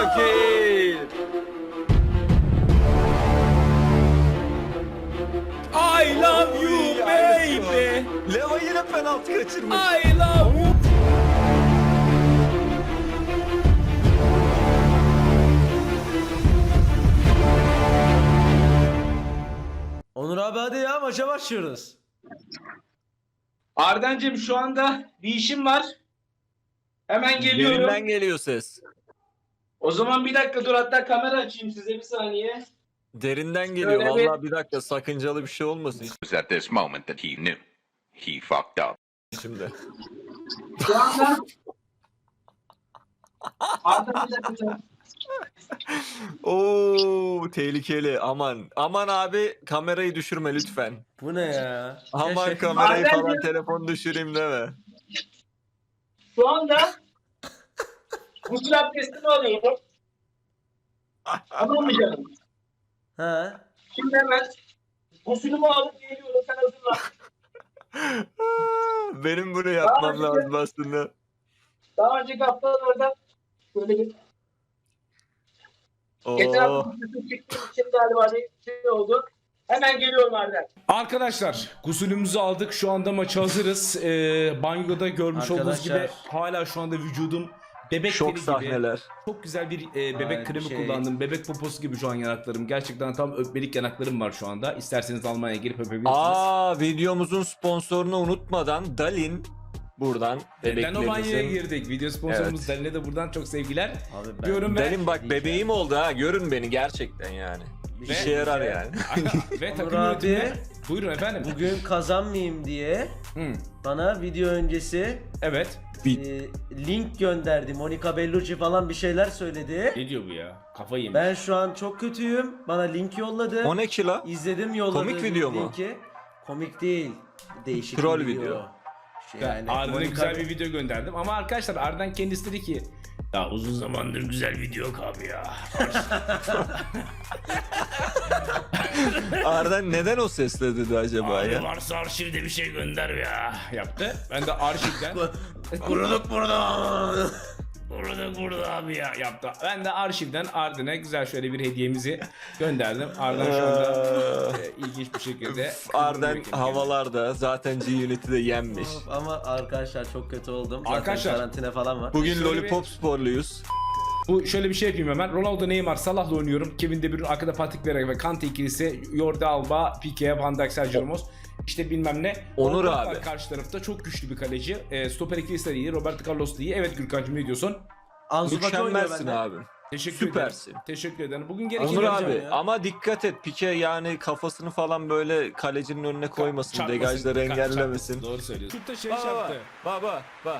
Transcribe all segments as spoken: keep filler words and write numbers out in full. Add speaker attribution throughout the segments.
Speaker 1: fakir.
Speaker 2: I love you baby.
Speaker 1: Leva yine penaltı kaçırmış.
Speaker 2: I love you.
Speaker 3: Onur abi hadi ya maça başlıyoruz.
Speaker 4: Ardancığım şu anda bir işim var. Hemen geliyorum.
Speaker 1: Derinden geliyor ses.
Speaker 4: O zaman bir dakika dur, hatta kamera açayım size bir saniye.
Speaker 1: Derinden geliyor.
Speaker 4: Şöyle bir-
Speaker 1: Vallahi bir dakika, sakıncalı bir şey olmasın
Speaker 5: It was at this moment that he knew he fucked up.
Speaker 1: şimdi.
Speaker 4: Şu anda Arda bir dakika.
Speaker 1: Oo, tehlikeli. Aman. Aman abi, kamerayı düşürme lütfen.
Speaker 3: Bu ne ya?
Speaker 1: Aman
Speaker 3: Ya şey-
Speaker 1: kamerayı
Speaker 4: Arden
Speaker 1: falan,
Speaker 4: diyor-
Speaker 1: telefon düşüreyim deme.
Speaker 4: Şu anda gusül abdestimi alıyorum. Tamam mı canım?
Speaker 3: Ha?
Speaker 4: Şimdi hemen gusülümü alıp geliyorum, sen hazırlan.
Speaker 1: Benim bunu yapmam
Speaker 4: Abi,
Speaker 1: lazım aslında.
Speaker 4: Daha önceki haftalarda böyle bir geçen
Speaker 1: Oo.
Speaker 4: hafta gusül çıktığım için galiba bir şey oldu. Hemen geliyorum Arda.
Speaker 2: Arkadaşlar gusülümüzü aldık. Şu anda maça hazırız. Ee, banyoda görmüş olduğunuz gibi
Speaker 3: Arkadaşlar.
Speaker 2: hala şu anda vücudum bebek
Speaker 1: Şok
Speaker 2: teni gibi.
Speaker 1: sahneler.
Speaker 2: Çok güzel bir e, bebek
Speaker 3: Ay,
Speaker 2: kremi
Speaker 3: şey.
Speaker 2: kullandım. Bebek poposu gibi şu an yanaklarım. Gerçekten tam öpmelik yanaklarım var şu anda. İsterseniz Almanya'ya gelip öpebilirsiniz.
Speaker 1: Aa, videomuzun sponsorunu unutmadan Dalin buradan
Speaker 2: Lenobanya'ya
Speaker 1: bebeklerinizin.
Speaker 2: girdik. Video sponsorumuz
Speaker 1: Evet.
Speaker 2: Dalin'e de buradan çok sevgiler.
Speaker 3: Abi ben...
Speaker 2: Diyorum ve,
Speaker 1: Dalin bak, bebeğim oldu ha, görün beni gerçekten yani.
Speaker 2: Ve-
Speaker 1: İşe yarar yani.
Speaker 2: ve
Speaker 3: Onur
Speaker 2: takım
Speaker 3: abi,
Speaker 2: yönetimine. Buyurun efendim.
Speaker 3: Bugün kazanmayayım diye
Speaker 2: Hı,
Speaker 3: bana video öncesi
Speaker 2: evet.
Speaker 1: Bir-
Speaker 3: e, link gönderdi. Monica Bellucci falan bir şeyler söyledi.
Speaker 2: Ne diyor bu ya? Kafayı yemiş.
Speaker 3: Ben şu an çok kötüyüm. Bana link yolladı.
Speaker 1: O ne ki la?
Speaker 3: İzledim, yolladı.
Speaker 1: Komik video mu?
Speaker 3: linki. Komik değil. Değişik
Speaker 1: Troll
Speaker 3: bir
Speaker 1: video.
Speaker 3: Şey
Speaker 2: Yani
Speaker 3: yani,
Speaker 2: Arda'ya
Speaker 3: Monica-
Speaker 2: güzel bir video gönderdim ama arkadaşlar Arda'nın kendisi dedi ki ya uzun zamandır güzel video yok abi ya.
Speaker 1: Arden neden o sesle dedi acaba
Speaker 2: Abi
Speaker 1: ya?
Speaker 2: varsa arşivde bir şey gönder ya yaptı. Ben de arşivden
Speaker 3: Kuruduk burada.
Speaker 2: burada burada abi ya yaptı. Ben de arşivden Arda'ya güzel şöyle bir hediyemizi gönderdim. Arda şu anda e, ilginç bir şekilde
Speaker 1: Arden havalarda zaten G-Unit'i de yenmiş.
Speaker 3: Ama arkadaşlar çok kötü oldum. Zaten
Speaker 2: Arkadaşlar,
Speaker 3: karantina falan var.
Speaker 1: Bugün
Speaker 2: Şöyle
Speaker 1: Lollipop sporluyuz.
Speaker 2: Bu şöyle bir şey yapayım hemen. Ronaldo, Neymar, Salah'la oynuyorum. Kevin De Bruyne, arkada Patrick Vieira ve Kante ikilisi. Jordi Alba, Pique, Van Dijk, Sergio Ramos. İşte bilmem ne.
Speaker 1: Onur
Speaker 2: Orta
Speaker 1: abi.
Speaker 2: var karşı tarafta çok güçlü bir kaleci. E, stoper ikilisi de iyi. Roberto Carlos da iyi. Evet Gürkan'cığım ne diyorsun?
Speaker 3: Ansu Fati oynuyor
Speaker 1: Mükemmelsin
Speaker 3: bende.
Speaker 1: abi.
Speaker 2: Teşekkür
Speaker 1: Süpersin.
Speaker 2: ederim. Teşekkür ederim. Bugün gerekeni
Speaker 1: Onur
Speaker 2: yapacağım
Speaker 1: abi
Speaker 2: ya.
Speaker 1: ama dikkat et, Pike yani kafasını falan böyle kalecinin önüne koymasın,
Speaker 2: Çarpmasın,
Speaker 1: degajları
Speaker 2: dikkat,
Speaker 1: engellemesin.
Speaker 2: çarpmasın. Doğru söylüyorsun. Şutta şey
Speaker 1: Baba
Speaker 2: yaptı.
Speaker 1: baba baba.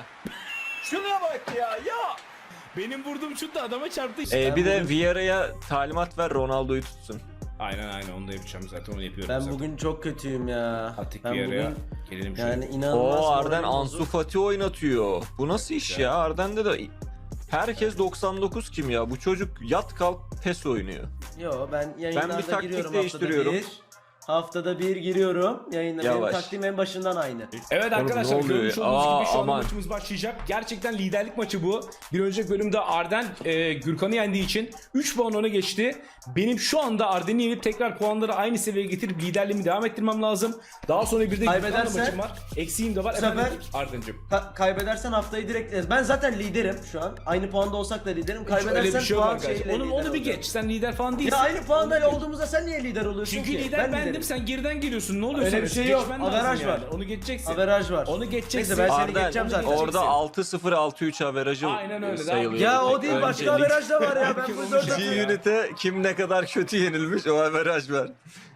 Speaker 1: Şuna bak ya ya.
Speaker 2: Benim vurduğum şut da adama çarptı işte.
Speaker 1: Ee,
Speaker 2: Ben
Speaker 1: bir de
Speaker 2: bugün-
Speaker 1: Vieira'ya talimat ver, Ronaldo'yu tutsun.
Speaker 2: Aynen aynen onu da yapacağım zaten onu yapıyorum
Speaker 3: Ben
Speaker 2: zaten.
Speaker 3: bugün çok kötüyüm ya.
Speaker 2: Patrick
Speaker 3: Ben
Speaker 2: Vieira'ya
Speaker 3: bugün
Speaker 2: gelelim şöyle.
Speaker 3: yani inanılmaz.
Speaker 1: Oo, Arden
Speaker 3: moralim
Speaker 1: Ansu
Speaker 3: bozuk.
Speaker 1: Fati oynatıyor. Bu nasıl iş
Speaker 2: güzel.
Speaker 1: ya? Arden'de de herkes doksan dokuz kim ya? Bu çocuk yat kalk pes oynuyor.
Speaker 3: Yo ben yayınlarda
Speaker 1: taktik
Speaker 3: giriyorum
Speaker 1: değiştiriyorum.
Speaker 3: haftada bir. Haftada bir giriyorum. Yayında benim
Speaker 1: Yavaş.
Speaker 3: taktiğim en başından aynı.
Speaker 2: Evet
Speaker 1: Oğlum,
Speaker 2: arkadaşlar
Speaker 1: ne oluyor
Speaker 2: görmüş
Speaker 1: ya?
Speaker 2: olduğunuz
Speaker 1: Aa,
Speaker 2: gibi şu anda
Speaker 1: aman.
Speaker 2: maçımız başlayacak. Gerçekten liderlik maçı bu. Bir önceki bölümde Arden e, Gürkan'ı yendiği için üç puan öne geçti. Benim şu anda Arden'i yenip tekrar puanları aynı seviyeye getirip liderliğimi devam ettirmem lazım. Daha sonra bir de Gürkan'la
Speaker 3: Kaybedersen-
Speaker 2: maçım var. Eksiğim de var.
Speaker 3: Bu sefer-
Speaker 2: Efendim Arden'cim.
Speaker 3: Ka- kaybedersen haftayı direkt... Ben zaten liderim şu an. Aynı puanda olsak da liderim. Kaybedersen
Speaker 2: Öyle bir şey yok
Speaker 3: puan
Speaker 2: arkadaşlar.
Speaker 3: şeyiyle
Speaker 2: Onu,
Speaker 3: lider
Speaker 2: onu bir
Speaker 3: olacağım.
Speaker 2: geç. Sen lider falan değilsin.
Speaker 3: Ya aynı puanda
Speaker 2: Onu geç.
Speaker 3: olduğumuzda sen niye lider oluyorsun
Speaker 2: Çünkü
Speaker 3: ki?
Speaker 2: lider bendim,
Speaker 3: liderim.
Speaker 2: sen geriden geliyorsun. Ne oluyor
Speaker 3: Öyle
Speaker 2: sana?
Speaker 3: bir şey yok.
Speaker 2: Geçmen lazım
Speaker 3: Averaj
Speaker 2: yani.
Speaker 3: var.
Speaker 2: Onu geçeceksin.
Speaker 3: Averaj var.
Speaker 2: Onu geçeceksin.
Speaker 3: Neyse ben seni
Speaker 1: Arden
Speaker 3: geçeceğim zaten.
Speaker 1: orada altı sıfır altı üç averajı
Speaker 2: Aynen öyle,
Speaker 1: sayılıyor.
Speaker 3: Ya o
Speaker 1: Tek
Speaker 3: değil başka
Speaker 1: öncelik.
Speaker 3: averaj da var ya. Ben
Speaker 2: Kim
Speaker 3: bu
Speaker 2: onu
Speaker 3: dört
Speaker 2: şey-
Speaker 3: atıyorum.
Speaker 1: G-Unit'e kim ne kadar kötü yenilmiş o averaj ver.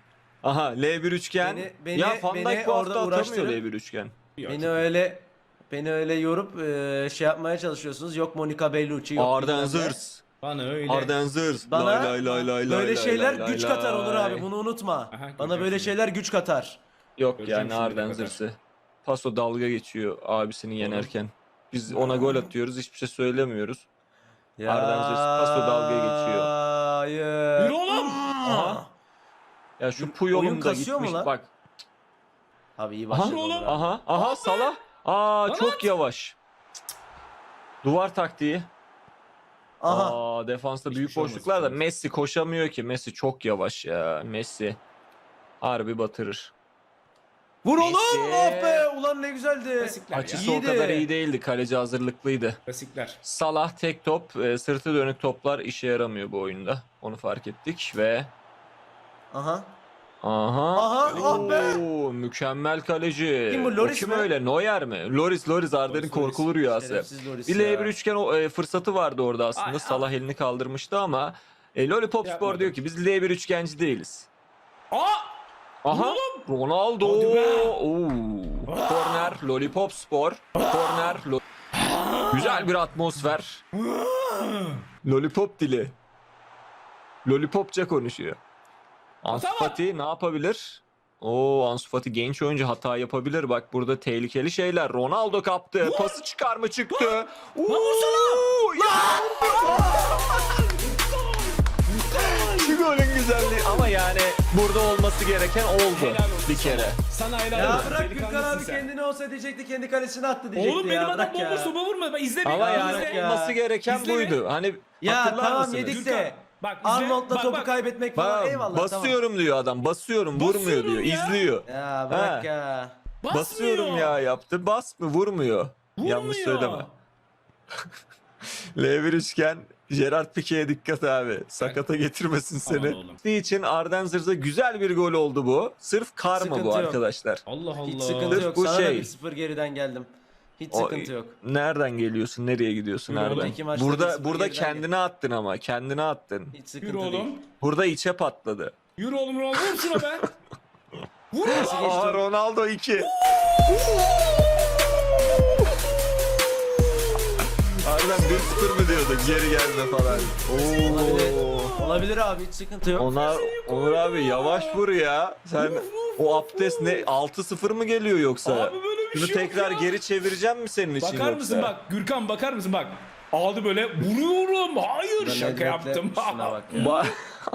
Speaker 1: Aha L bir üçgen.
Speaker 3: Beni- beni-
Speaker 1: ya Van
Speaker 3: beni
Speaker 1: Dijk bu
Speaker 3: orada
Speaker 1: hafta atamıyor
Speaker 3: uğraştırın.
Speaker 1: L bir üçgen.
Speaker 3: Beni öyle beni öyle yorup e, şey yapmaya çalışıyorsunuz. Yok Monica Bellucci yok.
Speaker 1: Arden
Speaker 3: bilmem ne.
Speaker 1: Zırs.
Speaker 2: Bana öyle.
Speaker 1: Arden Zırs.
Speaker 3: Bana
Speaker 1: Lay lay lay lay
Speaker 3: böyle
Speaker 1: lay
Speaker 3: şeyler
Speaker 1: lay
Speaker 3: güç
Speaker 1: lay
Speaker 3: katar Onur
Speaker 1: lay.
Speaker 3: abi bunu unutma.
Speaker 2: Aha,
Speaker 3: Bana
Speaker 2: göreceğim
Speaker 3: böyle
Speaker 2: şimdi.
Speaker 3: şeyler güç katar.
Speaker 1: Yok
Speaker 2: Göreceğim
Speaker 1: yani
Speaker 2: şimdi
Speaker 1: Arden
Speaker 2: ne kadar.
Speaker 1: Zırs'ı. Paso dalga geçiyor abisini yenerken. Biz ona gol atıyoruz, hiçbir şey söylemiyoruz.
Speaker 3: Ya,
Speaker 1: Arden Zırs paso dalga geçiyor.
Speaker 3: Hayır.
Speaker 2: Yürü oğlum.
Speaker 1: Aha. Ya şu
Speaker 3: Oyun
Speaker 1: Puyol'um da
Speaker 3: kasıyor mu
Speaker 1: gitmiş
Speaker 3: lan?
Speaker 1: bak.
Speaker 3: Abi iyi
Speaker 1: Aha,
Speaker 3: başladı Onur abi.
Speaker 1: aha, aha Salah. Aa
Speaker 2: Lan
Speaker 1: çok yavaş. Duvar taktiği.
Speaker 3: Aha.
Speaker 1: Aa, defansta büyük
Speaker 2: şey olmaz,
Speaker 1: boşluklar da
Speaker 2: olmaz.
Speaker 1: Messi koşamıyor ki. Messi çok yavaş ya. Messi harbi batırır.
Speaker 3: Vur oğlum.
Speaker 1: Messi.
Speaker 3: Oh be. Ulan ne güzeldi.
Speaker 2: Klasikler ya.
Speaker 1: Açısı
Speaker 3: İyiydi.
Speaker 1: o kadar iyi değildi. Kaleci hazırlıklıydı.
Speaker 2: Klasikler.
Speaker 1: Salah tek top, e, sırtı dönük toplar işe yaramıyor bu oyunda. Onu fark ettik ve
Speaker 3: Aha.
Speaker 1: aha.
Speaker 3: Aha, ah be.
Speaker 1: Oo, mükemmel kaleci.
Speaker 3: Kim bu, Lloris
Speaker 1: O kim
Speaker 3: mi?
Speaker 1: öyle? Neuer mi? Loris, Loris Arden'in
Speaker 3: Loris,
Speaker 1: korkulu
Speaker 3: Loris.
Speaker 1: rüyası.
Speaker 3: Şerefsiz Loris
Speaker 1: Bir
Speaker 3: ya.
Speaker 1: L bir üçgen o, e, fırsatı vardı orada aslında.
Speaker 2: Ay,
Speaker 1: Salah elini kaldırmıştı ama e, Lollipop Spor
Speaker 2: Yapmadım.
Speaker 1: diyor ki biz L bir üçgenci değiliz.
Speaker 2: Aa!
Speaker 1: Aha. Ronaldo.
Speaker 2: Hadi be.
Speaker 1: Oo. Korner Lollipop Spor. Korner. Lo- Güzel bir atmosfer. Lollipop dili. Lollipopça konuşuyor. Ansu
Speaker 2: Hata var.
Speaker 1: Fati ne yapabilir? Oo, Ansu Fati genç oyuncu hata yapabilir. Bak burada tehlikeli şeyler. Ronaldo kaptı. Pası çıkar mı çıktı? Oo, ya! Şu golün güzelliği ama yani burada olması gereken oldu
Speaker 2: Helal olsun
Speaker 1: bir kere.
Speaker 2: Sana helal
Speaker 3: Ya
Speaker 2: olsun.
Speaker 3: bırak Gürkan
Speaker 2: Delikanlısın
Speaker 3: abi
Speaker 2: sen.
Speaker 3: kendini olsa diyecekti kendi kalesine attı diyecekti
Speaker 2: Oğlum
Speaker 3: ya.
Speaker 2: benim adam
Speaker 3: Bırak
Speaker 2: bomboş
Speaker 3: ya.
Speaker 2: topa vurmadı. Ben izle
Speaker 1: Ama
Speaker 2: beni,
Speaker 1: yani
Speaker 2: izle.
Speaker 3: ya.
Speaker 1: olması gereken
Speaker 2: İzle
Speaker 1: buydu. Hani
Speaker 3: Ya
Speaker 1: hatırlar
Speaker 3: tamam
Speaker 1: mısınız?
Speaker 3: yedik
Speaker 2: Gürkan,
Speaker 3: de
Speaker 2: bak izle.
Speaker 3: Arnold'la
Speaker 2: Bak,
Speaker 3: topu
Speaker 2: bak.
Speaker 3: kaybetmek falan
Speaker 1: Bak,
Speaker 3: eyvallah
Speaker 1: basıyorum diyor adam. Basıyorum, vurmuyor
Speaker 2: Basıyorum
Speaker 1: diyor.
Speaker 2: ya.
Speaker 1: İzliyor.
Speaker 3: tamam. Ya bırak
Speaker 1: Ha.
Speaker 3: ya.
Speaker 2: Basmıyor.
Speaker 1: Basıyorum ya yaptı. Bas mı? Vurmuyor. Yanlış
Speaker 2: Vurmuyor.
Speaker 1: söyleme. L bir üçgen Gerard Pique'ye dikkat abi. Sakata getirmesin
Speaker 2: Aman
Speaker 1: seni.
Speaker 2: oğlum.
Speaker 1: Sizin için Arden Zırz'a güzel bir gol oldu bu. Sırf karma
Speaker 3: Sıkıntı
Speaker 1: bu
Speaker 3: yok.
Speaker 1: arkadaşlar.
Speaker 2: Allah Allah.
Speaker 3: Hiç sıkıntı
Speaker 1: Sırf
Speaker 3: yok.
Speaker 1: bu
Speaker 3: Sana da
Speaker 1: şey.
Speaker 3: bir sıfır geriden geldim. Hiç
Speaker 1: O-
Speaker 3: sıkıntı yok.
Speaker 1: Nereden geliyorsun? Nereye gidiyorsun
Speaker 2: Yürü
Speaker 1: Arden?
Speaker 3: önceki maçta bir
Speaker 1: Burada
Speaker 3: sıfır
Speaker 1: burada
Speaker 3: geriden
Speaker 1: kendine attın ama. Kendine attın.
Speaker 3: Hiç
Speaker 2: Yürü
Speaker 3: sıkıntı
Speaker 2: oğlum.
Speaker 3: değil.
Speaker 1: Burada içe patladı.
Speaker 2: Yürü oğlum Ronaldo. Vur şuna be. Vur.
Speaker 3: Nasıl geçti?
Speaker 1: Aa, Ronaldo iki. Arden bir sıfır mı diyorduk? Geri gelme falan.
Speaker 3: Olabilir.
Speaker 1: Oo.
Speaker 3: Olabilir abi hiç sıkıntı yok.
Speaker 1: Ona, Onur abi yavaş vur ya. Sen o abdest ne altı sıfır mı geliyor yoksa?
Speaker 2: Abi böyle bir
Speaker 1: Şunu
Speaker 2: şey yok
Speaker 1: tekrar
Speaker 2: ya.
Speaker 1: geri çevireceğim mi senin için
Speaker 2: Bakar
Speaker 1: yoksa?
Speaker 2: mısın bak Gürkan bakar mısın bak. Aldı böyle vuruyorum. Hayır
Speaker 3: Ben
Speaker 2: şaka
Speaker 3: Nedved'le
Speaker 2: yaptım.
Speaker 3: Şuna bak ya.
Speaker 1: Ba-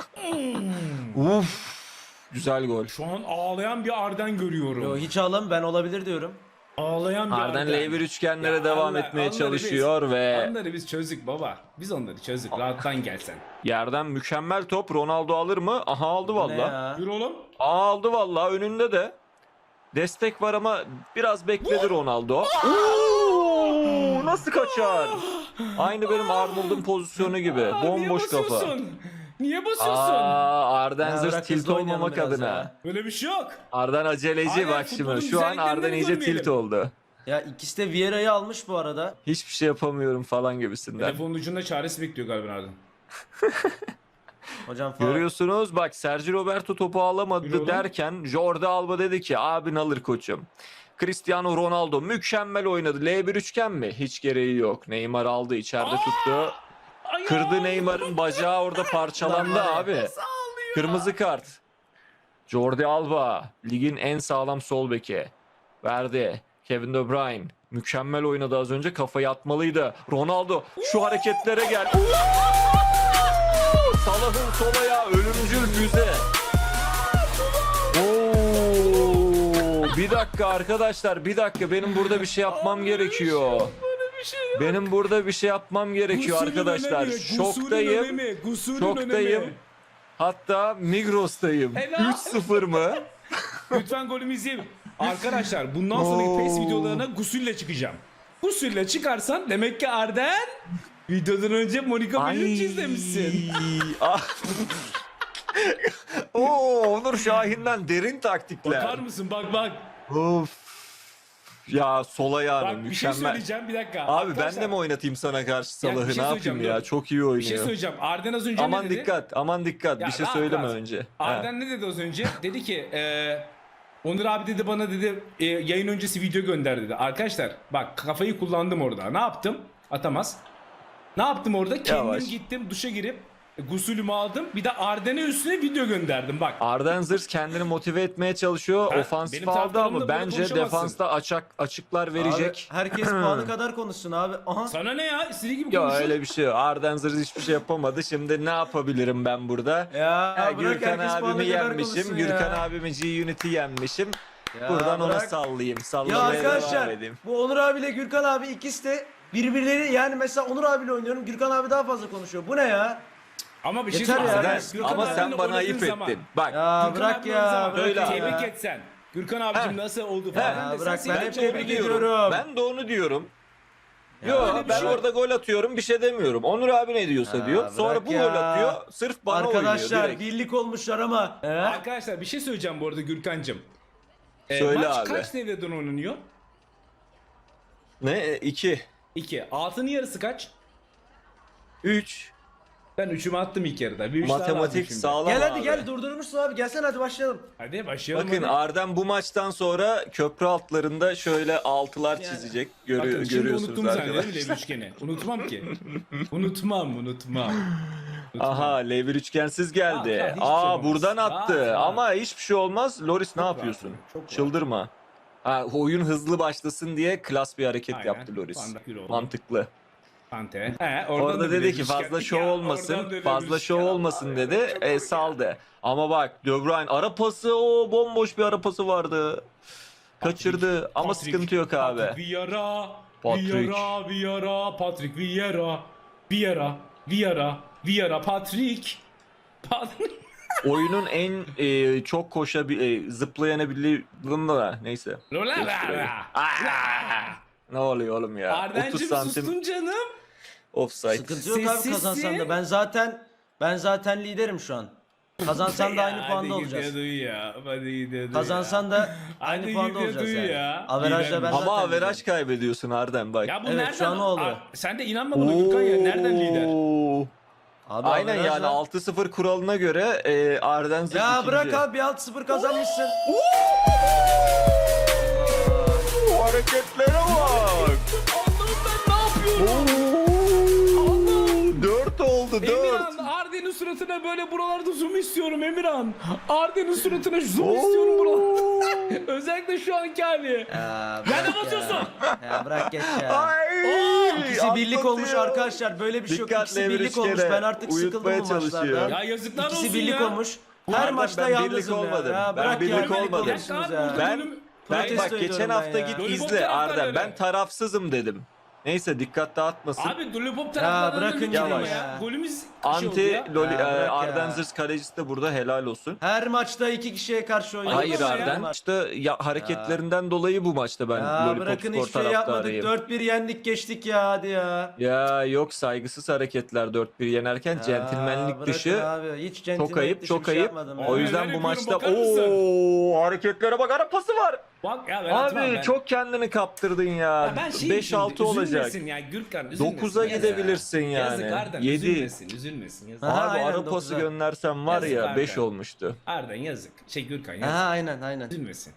Speaker 1: Uf. Güzel gol.
Speaker 2: Şu an ağlayan bir Arden görüyorum.
Speaker 3: Yo, hiç ağlam ben olabilir diyorum.
Speaker 2: Ağlayan bir
Speaker 1: Arden
Speaker 2: Arden.
Speaker 1: L bir üçgenlere
Speaker 2: Ya
Speaker 1: devam
Speaker 2: Allah-
Speaker 1: etmeye
Speaker 2: onları
Speaker 1: çalışıyor
Speaker 2: biz,
Speaker 1: ve
Speaker 2: Onları biz çözdük baba. Biz onları çözdük. Rahattan gelsen.
Speaker 1: yerden mükemmel top. Ronaldo alır mı? Aha aldı
Speaker 3: Ne
Speaker 1: valla.
Speaker 3: ya?
Speaker 2: Yürü oğlum.
Speaker 1: Aa, aldı valla önünde de. Destek var ama biraz bekledi Ronaldo. Oo, nasıl kaçar? Aynı benim Arnold'un pozisyonu gibi.
Speaker 2: Aa,
Speaker 1: Bomboş
Speaker 2: niye
Speaker 1: kafa.
Speaker 2: basıyorsun? Niye basıyorsun?
Speaker 1: Aa, Arden
Speaker 3: Ya
Speaker 1: zırt
Speaker 3: bırak
Speaker 1: tilt
Speaker 3: hızlı oynayalım
Speaker 1: olmamak
Speaker 3: biraz
Speaker 1: adına.
Speaker 3: ya.
Speaker 2: Böyle bir şey yok.
Speaker 1: Arden aceleci
Speaker 2: Aynen,
Speaker 1: bak
Speaker 2: futbolun
Speaker 1: şimdi. Şu an
Speaker 2: güzelliklerini
Speaker 1: Arden iyice
Speaker 2: görmeyelim.
Speaker 1: tilt oldu.
Speaker 3: Ya ikisi de Vieira'yı almış bu arada.
Speaker 1: Hiçbir şey yapamıyorum falan gibisinden.
Speaker 2: Telefonun ucunda çaresi bekliyor galiba Arden.
Speaker 3: Hocam falan.
Speaker 1: Görüyorsunuz bak Sergio Roberto topu
Speaker 2: Yürü
Speaker 1: alamadı
Speaker 2: oğlum.
Speaker 1: derken Jordi Alba dedi ki abin alır koçum. Cristiano Ronaldo mükemmel oynadı. L bir üçgen mi? Hiç gereği yok. Neymar aldı içeride tuttu.
Speaker 2: Ay
Speaker 1: Kırdı
Speaker 2: ya.
Speaker 1: Neymar'ın bacağı orada parçalandı
Speaker 3: Lan var ya.
Speaker 1: abi. Kırmızı kart. Jordi Alba ligin en sağlam sol beki. Verdi. Kevin De Bruyne mükemmel oynadı az önce kafayı atmalıydı. Ronaldo şu hareketlere gel. Salah'ın sol ayağı ölümcül füze. Oo, bir dakika arkadaşlar bir dakika benim burada bir şey yapmam gerekiyor.
Speaker 2: Böyle bir şey yok.
Speaker 1: Benim burada bir şey yapmam gerekiyor
Speaker 2: Gusülün
Speaker 1: arkadaşlar.
Speaker 2: önemi, gusülün
Speaker 1: Şoktayım.
Speaker 2: önemi, gusülün
Speaker 1: Şoktayım.
Speaker 2: önemi.
Speaker 1: Hatta Migros'tayım.
Speaker 2: Helal.
Speaker 1: üç sıfır mı?
Speaker 2: Lütfen golümü izleyin. Arkadaşlar bundan sonraki PES videolarına gusülle çıkacağım. Gusülle çıkarsan demek ki Arden videodan önce Monica Bellucci izlemişsin.
Speaker 1: Ah. Oo, Onur Şahin'den derin taktikler.
Speaker 2: Bakar mısın? Bak bak.
Speaker 1: Of. Ya sol ayağını
Speaker 2: Bak bir şey
Speaker 1: mükemmel.
Speaker 2: söyleyeceğim bir dakika.
Speaker 1: Abi ben
Speaker 2: Arkadaşlar,
Speaker 1: de mi oynatayım sana karşı
Speaker 2: Ya bir
Speaker 1: Salah'ı
Speaker 2: şey
Speaker 1: ne
Speaker 2: söyleyeceğim,
Speaker 1: yapayım ya?
Speaker 2: dur.
Speaker 1: Çok iyi oynuyor.
Speaker 2: Bir şey söyleyeceğim. Arden az önce
Speaker 1: Aman
Speaker 2: ne dedi?
Speaker 1: dikkat, aman dikkat.
Speaker 2: Ya
Speaker 1: bir şey
Speaker 2: rahat,
Speaker 1: söyleme
Speaker 2: rahat.
Speaker 1: önce.
Speaker 2: Arden ne dedi az önce? Dedi ki e, Onur abi dedi bana dedi e, yayın öncesi video gönder dedi. Arkadaşlar bak kafayı kullandım orada. Ne yaptım? Atamaz. Ne yaptım orada? Kendim
Speaker 1: Yavaş.
Speaker 2: gittim duşa girip e, gusülümü aldım. Bir de Arden'e üstüne video gönderdim bak.
Speaker 1: Arden Zırs kendini motive etmeye çalışıyor.
Speaker 2: Ben-
Speaker 1: Ofansif
Speaker 2: benim
Speaker 1: aldı
Speaker 2: taraftarımla
Speaker 1: ama
Speaker 2: böyle
Speaker 1: bence
Speaker 2: konuşamazsın.
Speaker 1: defansta açık açıklar verecek.
Speaker 3: Abi, herkes puanı kadar konuşsun abi. Aha.
Speaker 2: Sana ne ya? İstediği gibi
Speaker 1: Ya
Speaker 2: konuşun.
Speaker 1: öyle bir şey yok. Arden Zırs hiçbir şey yapamadı. Şimdi ne yapabilirim ben burada?
Speaker 3: Ya,
Speaker 1: Ya,
Speaker 3: bırak
Speaker 1: Gürkan
Speaker 3: herkes puanı
Speaker 1: abimi
Speaker 3: kadar
Speaker 1: yenmişim.
Speaker 3: konuşsun
Speaker 1: Gürkan
Speaker 3: ya.
Speaker 1: abimi G-Unit'i yenmişim.
Speaker 3: Ya
Speaker 1: Buradan ona
Speaker 3: bırak.
Speaker 1: sallayayım.
Speaker 3: Ya
Speaker 1: Sallamaya devam
Speaker 3: arkadaşlar
Speaker 1: edeyim.
Speaker 3: bu Onur abiyle Gürkan abi ikisi de birbirleri yani mesela Onur abiyle oynuyorum. Gürkan abi daha fazla konuşuyor. Bu ne ya?
Speaker 2: Ama bir şey
Speaker 3: Yeter ya.
Speaker 2: söyleyeyim.
Speaker 3: Arden,
Speaker 2: Gürkan
Speaker 1: Ama
Speaker 2: abiyle
Speaker 1: sen bana
Speaker 2: oynadığın
Speaker 1: ayıp
Speaker 2: zaman-
Speaker 1: ettin. Bak.
Speaker 3: Ya
Speaker 2: Gürkan
Speaker 3: bırak
Speaker 2: abiyle oynadığın
Speaker 3: ya.
Speaker 2: zaman
Speaker 3: Böyle
Speaker 1: Öyle abi.
Speaker 2: tebrik
Speaker 3: ya.
Speaker 2: etsen. Gürkan abicim
Speaker 1: Heh.
Speaker 2: nasıl oldu
Speaker 1: Heh.
Speaker 2: falan.
Speaker 3: Ya
Speaker 2: desen
Speaker 3: bırak,
Speaker 2: seni
Speaker 3: ben
Speaker 2: çok
Speaker 3: hep
Speaker 2: tebrik
Speaker 3: tebrik
Speaker 2: ediyorum.
Speaker 3: ediyorum.
Speaker 1: Ben de onu diyorum.
Speaker 3: Ya
Speaker 1: Yo
Speaker 2: öyle bir
Speaker 1: ben
Speaker 2: şey-
Speaker 1: orada gol atıyorum bir şey demiyorum. Onur abi ne diyorsa
Speaker 3: Ya
Speaker 1: diyor. Sonra
Speaker 3: bırak
Speaker 1: bu
Speaker 3: ya.
Speaker 1: gol atıyor. Sırf bana
Speaker 3: Arkadaşlar
Speaker 1: oynuyor direkt.
Speaker 3: birlik olmuşlar ama. He?
Speaker 2: Arkadaşlar bir şey söyleyeceğim bu arada Gürkan'cığım. Ee,
Speaker 1: Söyle
Speaker 2: maç
Speaker 1: abi.
Speaker 2: kaç devreden oynanıyor?
Speaker 1: Ne? iki.
Speaker 2: iki. Altının yarısı kaç?
Speaker 1: üç.
Speaker 2: Ben üçümü attım ilk yarıda. Bir üç daha lazım
Speaker 1: Matematik
Speaker 2: şimdi.
Speaker 1: sağlam
Speaker 3: Gel hadi
Speaker 1: abi.
Speaker 3: gel durdurmuşsun abi. Gelsene hadi başlayalım.
Speaker 2: Hadi başlayalım.
Speaker 1: Bakın
Speaker 2: hadi.
Speaker 1: Arden bu maçtan sonra köprü altlarında şöyle altılar çizecek. Görü-
Speaker 2: Bakın şimdi
Speaker 1: görüyorsunuz
Speaker 2: unuttum zannediyorum
Speaker 1: arkadaşlar.
Speaker 2: Lev üçgeni. Unutmam ki. unutmam unutmam. Unutmam.
Speaker 1: Aha L bir üçgensiz
Speaker 2: Bak,
Speaker 1: geldi.
Speaker 2: bak, hiçbir şey
Speaker 1: Aa
Speaker 2: olmaz.
Speaker 1: buradan attı.
Speaker 2: Bak, bak.
Speaker 1: Ama hiçbir şey olmaz. Loris ne
Speaker 2: Çok
Speaker 1: yapıyorsun?
Speaker 2: rahat, çok rahat.
Speaker 1: Çıldırma. Ha, oyun hızlı başlasın diye klas bir hareket
Speaker 2: Aynen.
Speaker 1: yaptı Loris.
Speaker 2: Van Dijk oldu.
Speaker 1: Mantıklı.
Speaker 2: Kante. He, oradan
Speaker 1: Orada
Speaker 2: da
Speaker 1: dedi
Speaker 2: bir
Speaker 1: ki
Speaker 2: Lev
Speaker 1: fazla
Speaker 2: üçgen.
Speaker 1: şov
Speaker 2: Ya,
Speaker 1: olmasın,
Speaker 2: oradan da Lev
Speaker 1: fazla şov
Speaker 2: üçgen.
Speaker 1: olmasın
Speaker 2: Allah
Speaker 1: dedi.
Speaker 2: ya, çok
Speaker 1: E,
Speaker 2: komik.
Speaker 1: saldı. Ama bak De Bruyne ara pası o bomboş bir ara pası vardı. Kaçırdı ama
Speaker 2: Patrick,
Speaker 1: sıkıntı yok abi.
Speaker 2: Patrick Vieira,
Speaker 1: Patrick.
Speaker 2: Vieira, Vieira, Patrick Vieira, Vieira, Vieira, Vieira, Patrick. Patrick.
Speaker 1: Oyunun en e, çok koşabil, e, zıplayanabildiği da neyse.
Speaker 2: Lola
Speaker 1: Gösteriyor. Aa! Ne oluyor oğlum ya? otuz
Speaker 2: Ardencim
Speaker 1: santim
Speaker 2: sustun canım.
Speaker 1: offside.
Speaker 3: Sıkıntı yok abi
Speaker 2: Sessizsin.
Speaker 3: kazansan da. Ben zaten ben zaten liderim şu an. Kazansan da aynı
Speaker 2: Ya,
Speaker 3: puanda
Speaker 2: hadi
Speaker 3: olacağız.
Speaker 2: gidiyordu ya. Hadi gidiyordu
Speaker 3: Kazansan da aynı
Speaker 2: Hadi
Speaker 3: puanda
Speaker 2: gidiyordu
Speaker 3: olacağız yani.
Speaker 2: ya.
Speaker 3: Averajla ben
Speaker 2: Lider.
Speaker 3: zaten
Speaker 1: Ama
Speaker 3: liderim.
Speaker 1: averaj kaybediyorsun Arden bak.
Speaker 2: Ya bu
Speaker 3: Evet,
Speaker 2: nereden?
Speaker 3: şu an o oluyor.
Speaker 2: Aa, sen de inanma buna Gürkan ya. Nereden lider?
Speaker 1: Oo.
Speaker 3: Abi
Speaker 1: Aynen
Speaker 3: averajla-
Speaker 1: yani altı sıfır kuralına göre e, Arden zıp
Speaker 3: Ya
Speaker 1: ikinci.
Speaker 3: bırak abi altı sıfır kazanmışsın.
Speaker 1: Oo, hareketlere bak.
Speaker 2: Allah'ım ben ne yapıyorum?
Speaker 1: dört oldu
Speaker 2: Emirhan
Speaker 1: dört.
Speaker 2: Arden'in suratına böyle buralarda zoom istiyorum Emirhan. Arden'in suratına zoom istiyorum buralarda. Özellikle şu anki hali.
Speaker 3: Ya
Speaker 2: Nerede
Speaker 3: bırak
Speaker 2: basıyorsun?
Speaker 3: Ya. ya bırak geç ya.
Speaker 1: Ay,
Speaker 3: İkisi birlik
Speaker 1: atlatıyor.
Speaker 3: olmuş arkadaşlar. Böyle bir şey yok.
Speaker 1: Dikkat
Speaker 3: İkisi
Speaker 1: Lever
Speaker 3: birlik olmuş.
Speaker 1: üçgene.
Speaker 3: Ben artık sıkıldım
Speaker 1: Uyutmaya
Speaker 3: bu
Speaker 1: çalışıyor.
Speaker 3: maçlardan.
Speaker 2: Ya yazıklar olsun
Speaker 3: İkisi birlik
Speaker 2: ya.
Speaker 3: olmuş. Her
Speaker 1: Arden,
Speaker 3: maçta
Speaker 1: ben birlik
Speaker 3: yalnızım
Speaker 1: olmadım.
Speaker 3: ya. ya
Speaker 1: Ben
Speaker 3: bırak
Speaker 1: birlik
Speaker 3: ya, beni
Speaker 1: olmadım.
Speaker 3: konuşuyorsunuz ya.
Speaker 1: Ben ben
Speaker 3: Protesto
Speaker 1: bak geçen
Speaker 3: ediyorum ben
Speaker 1: hafta
Speaker 3: ya.
Speaker 1: git
Speaker 2: Lollipop
Speaker 1: izle
Speaker 2: taraftarları.
Speaker 1: Arden. Ben tarafsızım dedim. Neyse dikkat dağıtmasın.
Speaker 2: Abi Lollipop taraftarlarından
Speaker 3: bırakın
Speaker 2: bir kelime
Speaker 1: yavaş.
Speaker 2: ya. Golümüz şey oldu
Speaker 1: Anti
Speaker 2: ya.
Speaker 1: Loli,
Speaker 3: Ya
Speaker 1: e,
Speaker 3: bırak
Speaker 1: Arden
Speaker 3: ya.
Speaker 1: Zırs kalecisi de burada helal olsun.
Speaker 3: Her maçta iki kişiye karşı oynuyoruz.
Speaker 1: Hayır
Speaker 2: ama ya.
Speaker 1: Arden işte ya, hareketlerinden dolayı bu maçta ben
Speaker 3: Ya
Speaker 1: Lollipop
Speaker 3: bırakın
Speaker 1: Spor
Speaker 3: hiçbir şey yapmadık.
Speaker 1: taraftarıyım.
Speaker 3: dört bir yendik geçtik ya hadi ya.
Speaker 1: Ya yok saygısız hareketler dört bir yenerken
Speaker 3: Ya
Speaker 1: centilmenlik
Speaker 3: bırakın
Speaker 1: dışı
Speaker 3: abi. Hiç
Speaker 1: çok
Speaker 3: centilmenlik
Speaker 1: ayıp
Speaker 3: dışı
Speaker 1: çok
Speaker 3: bir şey
Speaker 1: ayıp.
Speaker 3: yapmadım ya.
Speaker 1: O
Speaker 2: Abi,
Speaker 1: yüzden
Speaker 2: neler
Speaker 1: bu
Speaker 2: yapıyorum,
Speaker 1: maçta
Speaker 2: bakar mısın?
Speaker 1: ooo hareketlere bak ara pası var.
Speaker 2: Bak ya ben
Speaker 1: Abi
Speaker 2: atmam ben.
Speaker 1: çok kendini kaptırdın ya.
Speaker 2: Ya ben şey
Speaker 1: beş altı olacak.
Speaker 2: Üzülmesin ya Gürkan üzülmesin.
Speaker 1: dokuza
Speaker 2: Yazık.
Speaker 1: gidebilirsin yani.
Speaker 2: Yazık Arden
Speaker 1: yedi.
Speaker 2: üzülmesin üzülmesin. Yazık.
Speaker 3: Aha,
Speaker 1: Abi
Speaker 3: aynen,
Speaker 1: ara pası
Speaker 3: dokuza.
Speaker 1: göndersem var
Speaker 2: Yazık
Speaker 1: ya
Speaker 2: Arden.
Speaker 1: beş olmuştu.
Speaker 2: Arden yazık. Şey Gürkan yazık.
Speaker 3: Aha aynen aynen.
Speaker 2: Üzülmesin.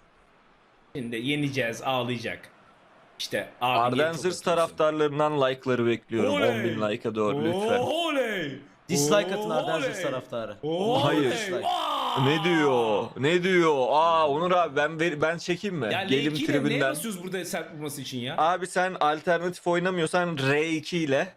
Speaker 2: Şimdi yeneceğiz ağlayacak. İşte abi
Speaker 1: Arden
Speaker 2: niye çok
Speaker 1: Zırs
Speaker 2: atıyorsun?
Speaker 1: taraftarlarından like'ları bekliyorum.
Speaker 2: Oley!
Speaker 1: on bin like'a doğru lütfen.
Speaker 2: Oley!
Speaker 3: Dislike atın Arden
Speaker 2: Oley!
Speaker 3: Zırs taraftarı.
Speaker 2: Oley!
Speaker 1: Hayır.
Speaker 2: Aa!
Speaker 1: Ne diyor? Ne diyor? Aa Onur abi ben ver- ben çekeyim mi?
Speaker 2: Ya
Speaker 1: Gelim
Speaker 2: L iki ile neye
Speaker 1: tribünden.
Speaker 2: basıyoruz burada sert vurması için ya?
Speaker 1: Abi sen alternatif oynamıyorsan R iki ile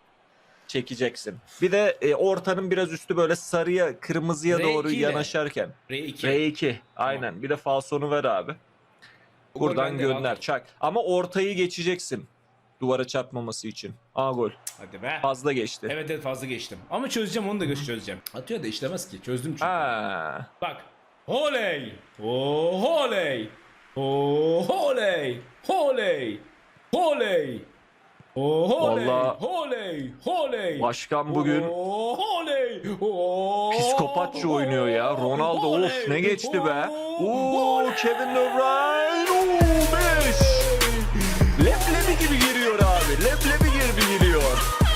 Speaker 1: çekeceksin. Bir de e, ortanın biraz üstü böyle sarıya, kırmızıya
Speaker 2: R iki
Speaker 1: doğru
Speaker 2: ile.
Speaker 1: yanaşarken.
Speaker 2: R iki.
Speaker 1: R iki. Aynen. Bir de falsonu ver abi.
Speaker 2: Bu gol
Speaker 1: Buradan
Speaker 2: bende,
Speaker 1: gönder.
Speaker 2: bak.
Speaker 1: Çak. Ama ortayı geçeceksin. Duvara çarpmaması için. Aa gol.
Speaker 2: Hadi be.
Speaker 1: Fazla geçti.
Speaker 2: Evet evet fazla geçtim. Ama çözeceğim onu da göz çözeceğim. Atıyor da işlemez ki. Çözdüm çünkü.
Speaker 1: Ha.
Speaker 2: Bak. Oley! Oh oley! Oh oley! Oley! Oley! Oh oley!
Speaker 1: Vallahi-
Speaker 2: Oley! Oley!
Speaker 1: Başkan bugün
Speaker 2: Oh oley! Oh,
Speaker 1: psikopatça oynuyor ya. Ronaldo
Speaker 2: oley!
Speaker 1: of ne geçti be.
Speaker 2: Oh,
Speaker 1: Oo
Speaker 2: oley!
Speaker 1: Kevin De Bruyne. Oo beş. Leblebi gibi giriyor abi. Leblebi gibi giriyor.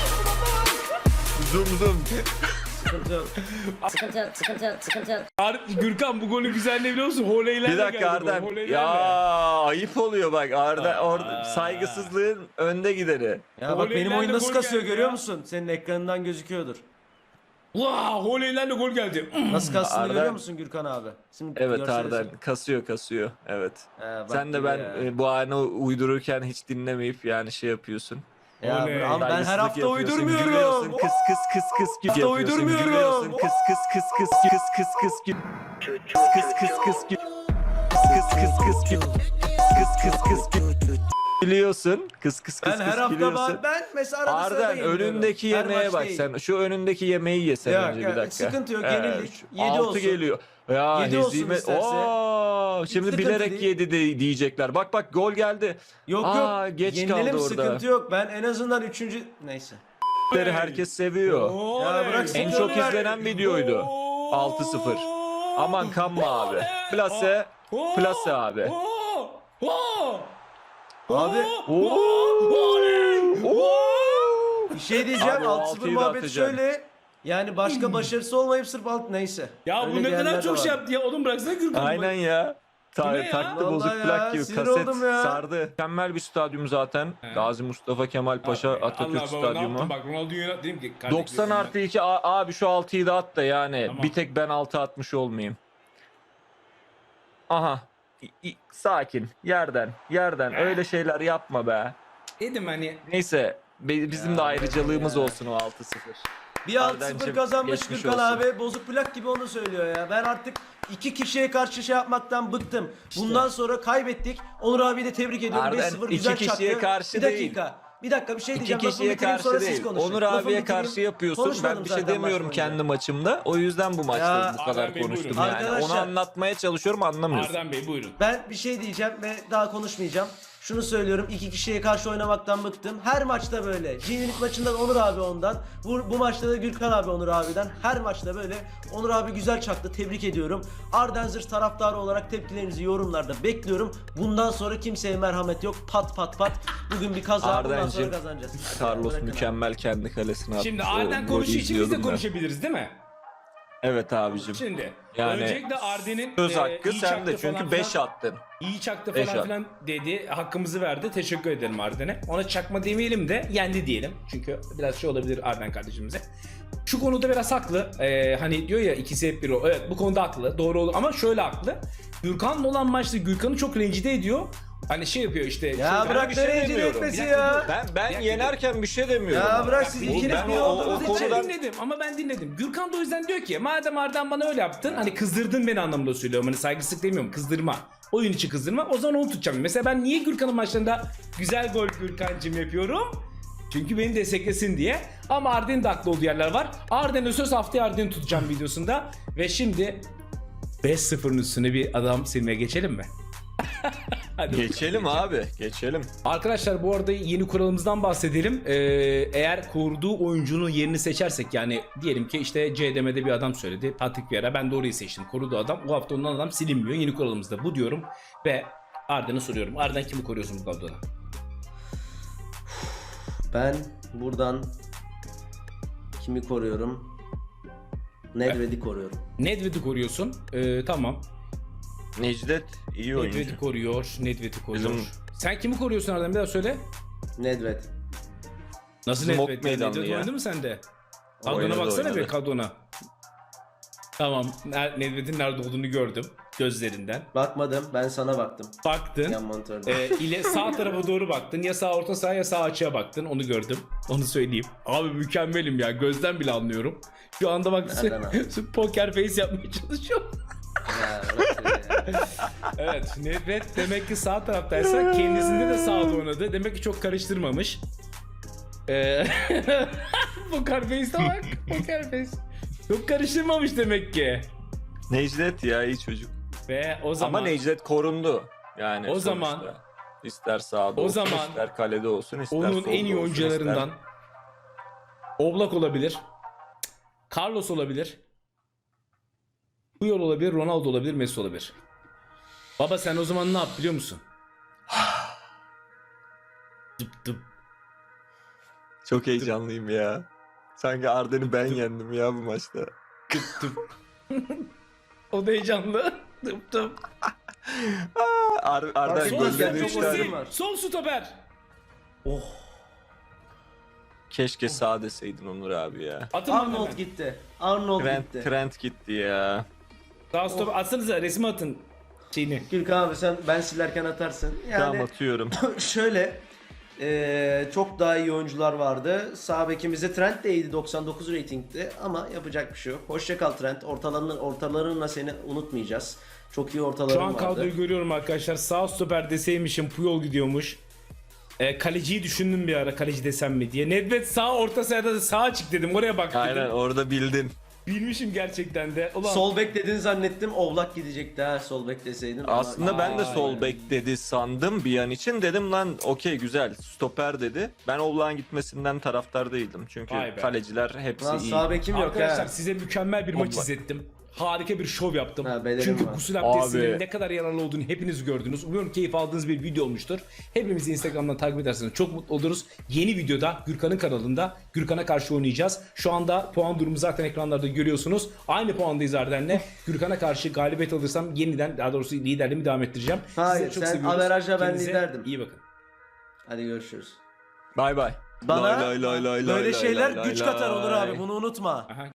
Speaker 1: Zoom zoom.
Speaker 3: Sıkıntı yok.
Speaker 6: sıkıntı yok, sıkıntı yok, sıkıntı yok.
Speaker 2: Ar- Gürkan bu golün güzelliği biliyor musun? Holeylerle
Speaker 1: Bir dakika
Speaker 2: geldi bu,
Speaker 1: Arden.
Speaker 2: holeylerle.
Speaker 1: Ya ayıp oluyor bak Arda
Speaker 2: Aa.
Speaker 1: orada saygısızlığın önde gideri.
Speaker 3: Ya bak benim
Speaker 2: Voleylerle
Speaker 3: oyun nasıl
Speaker 2: gol
Speaker 3: kasıyor
Speaker 2: geldi
Speaker 3: görüyor
Speaker 2: ya.
Speaker 3: musun? Senin ekranından gözüküyordur.
Speaker 2: Vaa holeylerle gol geldi.
Speaker 3: Nasıl kastığını
Speaker 1: Arda-
Speaker 3: görüyor musun Gürkan abi? Şimdi
Speaker 1: Evet
Speaker 3: görsenize.
Speaker 1: Arden kasıyor kasıyor evet.
Speaker 3: He, bak
Speaker 1: Sen de
Speaker 3: gibi
Speaker 1: ben
Speaker 3: ya.
Speaker 1: e, bu anı uydururken hiç dinlemeyip yani şey yapıyorsun.
Speaker 3: Ya
Speaker 2: Oley.
Speaker 3: bro, ama ben her
Speaker 1: Saygısızlık
Speaker 3: hafta
Speaker 1: yapıyorsun,
Speaker 3: uydurmuyorum.
Speaker 1: gülüyorsun, Kıs kıs kıs kıs gül
Speaker 3: Hafta
Speaker 1: yapıyorsun.
Speaker 3: uydurmuyorum.
Speaker 1: Gülüyorsun. Kıs kıs kıs kıs kıs kıs kıs gül. Kıs kıs kıs kıs gül. Kıs kıs kıs kıs gül. Kıs kıs kıs gül. Biliyorsun. Kıs kıs kıs
Speaker 3: Ben
Speaker 1: kıs
Speaker 3: her hafta
Speaker 1: gülüyorsun.
Speaker 3: var. Ben mesela arada sırada
Speaker 1: Arden
Speaker 3: yeniliyorum.
Speaker 1: önündeki
Speaker 3: Her
Speaker 1: yemeğe
Speaker 3: maç
Speaker 1: bak
Speaker 3: değil.
Speaker 1: sen. Şu önündeki yemeği yesen
Speaker 3: Yok,
Speaker 1: önce
Speaker 3: yok,
Speaker 1: bir dakika.
Speaker 3: sıkıntı yok, yenildik.
Speaker 1: şu
Speaker 3: Yedi
Speaker 1: altı
Speaker 3: olsun.
Speaker 1: geliyor. Ya
Speaker 3: Yedi olsun
Speaker 1: hezimet.
Speaker 3: isterse.
Speaker 1: Oo, şimdi
Speaker 3: Sıkıntı
Speaker 1: bilerek
Speaker 3: değil.
Speaker 1: yedi de diyecekler. Bak bak gol geldi.
Speaker 3: Yok
Speaker 1: Aa,
Speaker 3: yok.
Speaker 1: geç
Speaker 3: Yenilelim,
Speaker 1: kaldı orada.
Speaker 3: sıkıntı yok. Ben en azından üçüncü... Neyse.
Speaker 1: Herkes seviyor.
Speaker 3: Ya bırak
Speaker 1: En
Speaker 3: sıkıntı
Speaker 1: çok
Speaker 3: yok.
Speaker 1: izlenen videoydu. altı sıfır. Aman kanma abi. Plase. Plase abi.
Speaker 3: Abi
Speaker 1: Oo.
Speaker 3: bir şey diyeceğim.
Speaker 1: Abi o
Speaker 3: altı sıfır
Speaker 1: altıyı da
Speaker 3: muhabbeti
Speaker 1: atacaksın.
Speaker 3: şöyle. Yani başka başarısı olmayıp sırf alt neyse.
Speaker 2: Ya
Speaker 3: Öyle
Speaker 2: bu ne
Speaker 3: diyenler
Speaker 2: kadar
Speaker 3: de
Speaker 2: çok
Speaker 3: var.
Speaker 2: şey yaptı ya. Oğlum bıraksana Gürkan'ı.
Speaker 1: Aynen ya. Ta-
Speaker 2: Bu ne ya?
Speaker 1: taktı
Speaker 3: Vallahi
Speaker 1: bozuk
Speaker 3: ya,
Speaker 1: plak gibi
Speaker 3: sinir
Speaker 1: kaset
Speaker 3: oldum ya.
Speaker 1: sardı. Mükemmel bir stadyum zaten.
Speaker 2: He.
Speaker 1: Gazi Mustafa Kemal Paşa Atatürk
Speaker 2: Allah baba, ne
Speaker 1: Stadyumu.
Speaker 2: yaptın? Bak Ronaldo'yu dedim ki. kardeşim,
Speaker 1: doksan
Speaker 2: ben-
Speaker 1: artı iki A- abi şu altıyı da at da yani
Speaker 2: Tamam.
Speaker 1: bir tek ben altı atmış olmayayım. Aha. İ- i- sakin. Yerden. Yerden. Öyle şeyler yapma be.
Speaker 2: Dedim hani.
Speaker 1: Neyse. be- Bizim
Speaker 3: Ya,
Speaker 1: de ayrıcalığımız
Speaker 3: ya.
Speaker 1: olsun o altı sıfır.
Speaker 3: Bir altı sıfır
Speaker 1: Ardancığım,
Speaker 3: kazanmış
Speaker 1: geçmiş
Speaker 3: Gürkan
Speaker 1: olsun.
Speaker 3: abi. Bozuk plak gibi onu söylüyor ya. Ben artık iki kişiye karşı şey yapmaktan bıktım. Bundan sonra kaybettik. Onur abi de tebrik ediyorum.
Speaker 1: Arden,
Speaker 3: beş sıfır
Speaker 1: iki
Speaker 3: güzel
Speaker 1: kişiye
Speaker 3: çaktı.
Speaker 1: karşı
Speaker 3: bir dakika. Bir dakika bir şey
Speaker 1: İki
Speaker 3: diyeceğim. Lafımı
Speaker 1: kişiye
Speaker 3: bitireyim, sonra
Speaker 1: karşı
Speaker 3: siz
Speaker 1: değil.
Speaker 3: konuşun.
Speaker 1: Onur
Speaker 3: Lafımı
Speaker 1: abiye
Speaker 3: bitireyim.
Speaker 1: karşı yapıyorsun.
Speaker 3: Konuşmadım
Speaker 1: Ben bir şey
Speaker 3: zaten
Speaker 1: demiyorum
Speaker 3: maç boyunca.
Speaker 1: kendi maçımda. O yüzden bu maçta
Speaker 3: Ya,
Speaker 1: bu kadar
Speaker 2: Arden Bey,
Speaker 1: konuştum
Speaker 2: buyurun.
Speaker 1: yani. Onu
Speaker 3: Arkadaşlar-
Speaker 1: anlatmaya çalışıyorum anlamıyorsun.
Speaker 2: Arden Bey buyurun.
Speaker 3: Ben bir şey diyeceğim ve daha konuşmayacağım. Şunu söylüyorum, iki kişiye karşı oynamaktan bıktım. Her maçta böyle. G-Unit maçında Onur abi ondan. Bu, bu maçta da Gürkan abi Onur abiden. Her maçta böyle. Onur abi güzel çaktı. Tebrik ediyorum. Ardenzir taraftarı olarak tepkilerinizi yorumlarda bekliyorum. Bundan sonra kimseye merhamet yok. Pat pat pat. Bugün bir kaza, bundan sonra
Speaker 1: Ardancığım,
Speaker 3: kazanacağız.
Speaker 1: Carlos
Speaker 3: Bırakın abi.
Speaker 1: mükemmel kendi kalesine attı.
Speaker 2: Şimdi
Speaker 1: O
Speaker 2: Arden
Speaker 1: golü
Speaker 2: konuşuyor için biz de
Speaker 1: izliyordum ben.
Speaker 2: konuşabiliriz değil mi?
Speaker 1: Evet abicim.
Speaker 2: Şimdi
Speaker 1: Yani
Speaker 2: öncelikle Arden'in
Speaker 1: Söz
Speaker 2: e,
Speaker 1: hakkı
Speaker 2: iyi
Speaker 1: sende
Speaker 2: çaktı falan
Speaker 1: çünkü beş
Speaker 2: filan-
Speaker 1: attın.
Speaker 2: İyi çaktı
Speaker 1: Beş
Speaker 2: falan
Speaker 1: at.
Speaker 2: filan dedi. Hakkımızı verdi. Teşekkür ederim Arden'e. Ona çakma demeyelim de yendi diyelim. Çünkü biraz şey olabilir Arden kardeşimize. Şu konuda biraz haklı. Ee, hani diyor ya ikisi hep bir o. Evet bu konuda haklı. Doğru olur. Ama şöyle haklı. Gürkan'la olan maçta Gürkan'ı çok rencide ediyor. Hani şey yapıyor işte.
Speaker 3: Ya
Speaker 2: şöyle-
Speaker 3: bırak
Speaker 1: bir şey
Speaker 3: ne rencide
Speaker 1: demiyorum.
Speaker 3: etmesi
Speaker 2: Bir dakika
Speaker 3: ya.
Speaker 2: dur.
Speaker 1: Ben ben
Speaker 2: Bir dakika,
Speaker 1: yenerken bir şey demiyorum.
Speaker 3: Ya
Speaker 1: ama.
Speaker 3: bırak siz
Speaker 2: Oğlum,
Speaker 3: ikiniz
Speaker 1: ben
Speaker 3: bir
Speaker 1: o- o-
Speaker 3: olduğunuz
Speaker 1: o
Speaker 3: için.
Speaker 1: konuda-
Speaker 2: Ben dinledim ama ben dinledim. Gürkan da o yüzden diyor ki madem Arden bana öyle yaptın hani kızdırdın beni anlamında söylüyorum. Hani saygısızlık demiyorum kızdırma. Oyun içi kızdırma o zaman onu tutacağım. Mesela ben niye Gürkan'ın maçlarında güzel gol Gürkan'cım yapıyorum? Çünkü beni desteklesin diye. Ama Arden'in de haklı olduğu yerler var. Arden'e söz haftaya Arden'i tutacağım videosunda. Ve şimdi beş sıfırın üstüne bir adam silmeye geçelim mi? Hadi
Speaker 1: Geçelim abi, geçelim.
Speaker 2: Arkadaşlar bu arada yeni kuralımızdan bahsedelim. Ee, eğer kurduğu oyuncunun yerini seçersek yani diyelim ki işte C D M'de bir adam söyledi. Patrick Vieira ben doğruyu seçtim. Korudu adam. Bu hafta ondan adam silinmiyor. Yeni kuralımızda bu diyorum. Ve Arden'i soruyorum. Arden kimi koruyorsun bu kadroda?
Speaker 3: Ben buradan kimi koruyorum? Nedved'i koruyorum.
Speaker 2: Nedved'i koruyorsun. Ee, tamam.
Speaker 1: Necdet iyi oyuncu.
Speaker 2: Nedved'i koruyor. Nedved'i koruyor.
Speaker 1: Bizim-
Speaker 2: Sen kimi koruyorsun Arden? Bir daha söyle.
Speaker 3: Nedved.
Speaker 2: Nasıl
Speaker 1: Bizim ok
Speaker 2: Nedved?
Speaker 1: meydanlı
Speaker 2: Nedved
Speaker 1: ya.
Speaker 2: oynadı mı sende? Kadrona
Speaker 1: Oynadı,
Speaker 2: baksana
Speaker 1: oynadı.
Speaker 2: bir kadrona. Tamam. Ner- Nedved'in nerede olduğunu gördüm. Gözlerinden.
Speaker 3: Bakmadım, ben sana baktım.
Speaker 2: Baktın.
Speaker 3: Yan monitörde.
Speaker 2: Ee, ile sağ tarafa doğru baktın. Ya sağ orta saha ya sağ açığa baktın. Onu gördüm. Onu söyleyeyim. Abi mükemmelim ya. Gözden bile anlıyorum. Şu anda bak
Speaker 3: Nereden anladın?
Speaker 2: poker face yapmaya çalışıyorum.
Speaker 3: Ya, bırak ya.
Speaker 2: Evet. Nedved demek ki sağ taraftaysa kendisinde de sağda oynadı. Demek ki çok karıştırmamış. Ee, poker face'e bak. Poker face. Çok karıştırmamış demek ki.
Speaker 1: Necdet ya iyi çocuk.
Speaker 2: Ve o zaman
Speaker 1: Ama Necdet korundu. Yani
Speaker 2: O
Speaker 1: sonuçta.
Speaker 2: zaman-
Speaker 1: ister sağda
Speaker 2: o
Speaker 1: olsun,
Speaker 2: zaman
Speaker 1: ister kalede olsun, ister
Speaker 2: onun
Speaker 1: solda
Speaker 2: en iyi
Speaker 1: olsun,
Speaker 2: oyuncularından Oblak olabilir. Carlos olabilir. Puyol olabilir, Ronaldo olabilir, Messi olabilir. Baba sen o zaman ne yap biliyor musun? Dıp dıp.
Speaker 1: ister- Çok heyecanlıyım ya. Sanki Arden'i ben yendim ya bu maçta.
Speaker 2: Dıp dıp. O da heyecanlı. Dıp dıp.
Speaker 1: Ar Arden
Speaker 3: Sol
Speaker 2: Sol
Speaker 1: gözlerine
Speaker 3: stoper
Speaker 1: üç
Speaker 3: çok
Speaker 1: tane.
Speaker 3: oyuncu
Speaker 2: stoper.
Speaker 3: var.
Speaker 2: Sol stoper.
Speaker 3: Oh.
Speaker 1: Keşke sağ deseydin Onur abi ya.
Speaker 2: Atın bana
Speaker 3: Arnold
Speaker 2: hemen.
Speaker 3: gitti. Arnold
Speaker 1: Trent,
Speaker 3: gitti.
Speaker 1: Trent gitti ya.
Speaker 2: Sağ stoper. Atsanıza resmi atın. Şeyini.
Speaker 3: Gürkan abi sen ben silerken atarsın. Yani
Speaker 1: Tamam atıyorum.
Speaker 3: şöyle eee, çok daha iyi oyuncular vardı. Sağ bekimizde Trent de iyiydi, doksan dokuz ratingdi ama yapacak bir şey yok. Hoşça kal Trent. Ortalarının ortalarınla seni unutmayacağız. Çok iyi ortaların
Speaker 2: Şu an
Speaker 3: vardı.
Speaker 2: kadroyu görüyorum arkadaşlar. Sağ stoper deseymişim Puyol gidiyormuş. E, kaleciyi düşündüm bir ara, kaleci desem mi diye. Nedved sağ, orta sahada da sağa çık dedim, oraya bak dedim.
Speaker 1: Aynen, orada bildin.
Speaker 2: Bilmişim gerçekten de. Ulan.
Speaker 3: Sol bek dedin zannettim. Oblak gidecekti ha, sol bek deseydin. ama-
Speaker 1: Aslında ben de
Speaker 2: Aynen.
Speaker 1: sol bek dedi sandım bir an için. Dedim lan okey güzel, stoper dedi. Ben Oblak'ın gitmesinden taraftar değildim. Çünkü
Speaker 2: Vay be.
Speaker 1: kaleciler hepsi
Speaker 3: Lan
Speaker 1: iyi.
Speaker 3: sağ bekim yok
Speaker 2: Arkadaşlar
Speaker 3: ha.
Speaker 2: size mükemmel bir maç
Speaker 1: Oblak.
Speaker 2: izlettim. Harika bir şov yaptım.
Speaker 3: Ha, belerim
Speaker 2: Çünkü
Speaker 3: var.
Speaker 2: gusül abdestinin
Speaker 1: Abi.
Speaker 2: ne kadar yararlı olduğunu hepiniz gördünüz. Umuyorum keyif aldığınız bir video olmuştur. Hepimizi Instagram'dan takip ederseniz çok mutlu oluruz. Yeni videoda Gürkan'ın kanalında Gürkan'a karşı oynayacağız. Şu anda puan durumu zaten ekranlarda görüyorsunuz. Aynı puandayız Arden'le. Gürkan'a karşı galibiyet alırsam yeniden, daha doğrusu liderliğimi devam ettireceğim.
Speaker 3: Hayır,
Speaker 2: Sizleri çok
Speaker 3: sen
Speaker 2: seviyoruz.
Speaker 3: averajla ben
Speaker 2: Kendinize
Speaker 3: liderdim.
Speaker 2: İyi bakın.
Speaker 3: Hadi görüşürüz.
Speaker 1: Bay bay.
Speaker 3: Bana
Speaker 1: Lay lay lay lay
Speaker 3: böyle
Speaker 1: lay
Speaker 3: şeyler
Speaker 1: lay
Speaker 3: güç
Speaker 1: lay
Speaker 3: katar Onur
Speaker 1: lay.
Speaker 3: abi, bunu unutma.
Speaker 2: Aha.